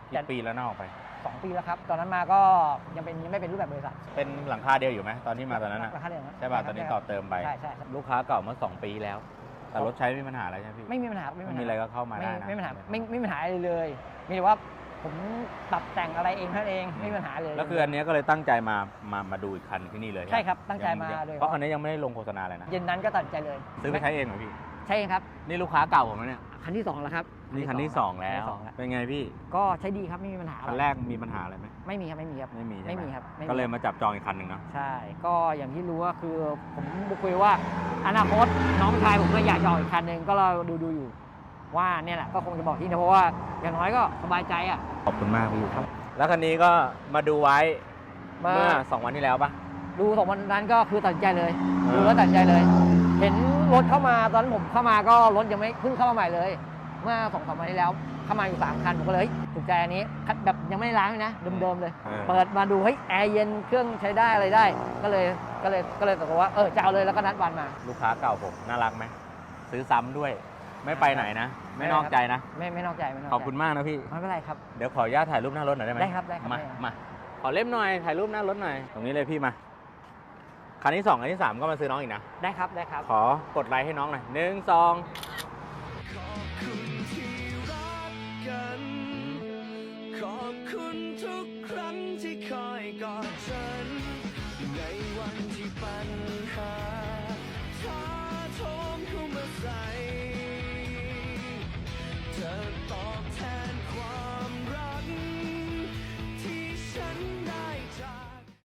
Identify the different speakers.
Speaker 1: กี่ปีแล้วน่าออกไป
Speaker 2: 2 ปีแล้วครับตอนนั้นมาก็ยังไม่เป็นรูปแบบบริษัท
Speaker 1: เป็นหลังคาเดียวอยู่ไหมตอนที่มาตอนนั้น
Speaker 2: ราคาเดียว
Speaker 1: ใช่ป่ะตอนนี้ต่อเติมไป
Speaker 2: ใช่
Speaker 1: ลูกค้าเก่าเมื่อ2 ปีแล้ว แต่รถใช้ไม่มีปัญหาอะไรใช่ไหมพี่
Speaker 2: ไม่มีปัญหา
Speaker 1: ไม่มีอะไรก็เข้ามาได้นะ
Speaker 2: ไม่มีปัญหาไม่มีปัญหาอะไรเลยมีแต่ว่าผมปรับแต่งอะไรเองเท่านั้นเองไม่มีปัญหาเลย
Speaker 1: แล้วคืออันนี้ก็เลยตั้งใจมาดูอีกคันที่นี่เลย
Speaker 2: ใช่ครับตั้งใจมาเลย
Speaker 1: เพราะคันนี้ยังไม่ได้ลงโฆษณาเลยนะ
Speaker 2: เย็นนั้นก็ตัดใจเลย
Speaker 1: ซื้อไปใช้เองเหรอพี่
Speaker 2: ใช่เองครับ
Speaker 1: นี่ลูกค้าเก่าผมนะเนี่ย
Speaker 2: คันที่2แล้วครับ
Speaker 1: นี่คันที่ 2 แล้ว เป็นไงพี่
Speaker 2: ก็ใช้ดีครับไม่มีปัญหา
Speaker 1: คันแรกมีปัญหาอะไรไหม
Speaker 2: ไม่มีครับไม่มีครับ
Speaker 1: ไม่มีใช่ไหม
Speaker 2: ไม่มีครับไม่มี
Speaker 1: ก็เลยมาจับจองอีกคันหนึ่งเนาะ
Speaker 2: ใช่ ก็อย่างที่รู้ว่าคือผมคุยว่าอนาคตน้องชายผมก็อยากจะออกอีกคันหนึ่งก็เราดูอยู่ว่าเนี่ยแหละก็คงจะบอกที่นะเพราะว่าอย่างน้อยก็สบายใจอ่ะ
Speaker 1: ขอบคุณมากพี่ครับ แล้วคันนี้ก็มาดูไว้เมื่อ2 วันที่แล้วปะ
Speaker 2: ดู2 วันนั้นก็คือตัดสินใจเลย
Speaker 1: เออ
Speaker 2: ดูแล้วตัดสินใจเลย เห็นรถเข้ามาตอนนั้นผมเข้ามาก็รถยังไม่เพิ่งเข้ามาใหม่เลย เมื่อ2-3 วันที่แล้วเข้ามาอยู่3 คันผมก็เลยถูกใจอันนี้แบบยังไม่ได้ล้างเลยนะเดิมๆเลย เปิดมาดูเฮ้ยแอร์เย็นเครื่องใช้ได้อะไรได้ ก็เลยตกลงว่าจะเอาเลยแล้วก็นัดวันมา
Speaker 1: ลูกค้าเก่าผมน่ารักไหมซื้อซ้ำด้วย ไม่ไปไหนนะ ไม่นอกใจนะ
Speaker 2: ไม่นอกใจไม่นอกใจ
Speaker 1: ขอบคุณมากนะพี่
Speaker 2: ไม่เป็นไรครับ
Speaker 1: เดี๋ยวขออนุญาตถ่ายรูปหน้ารถหน่อยได้ไหม
Speaker 2: ได้ครับได้ครับ
Speaker 1: มา
Speaker 2: ได้ครับ
Speaker 1: มาขอเล่มหน่อยถ่ายรูปหน้ารถหน่อยตรงนี้เลยพี่มาคันที่2คันที่3ก็มาซื้อน้องอีกนะ
Speaker 2: ได้ครับได้ครับ
Speaker 1: ขอกดไลค์ให้น้องหน่อย1 2
Speaker 3: ขอบคุณที่รักกัน ขอบคุณทุกครั้งที่คอยกอด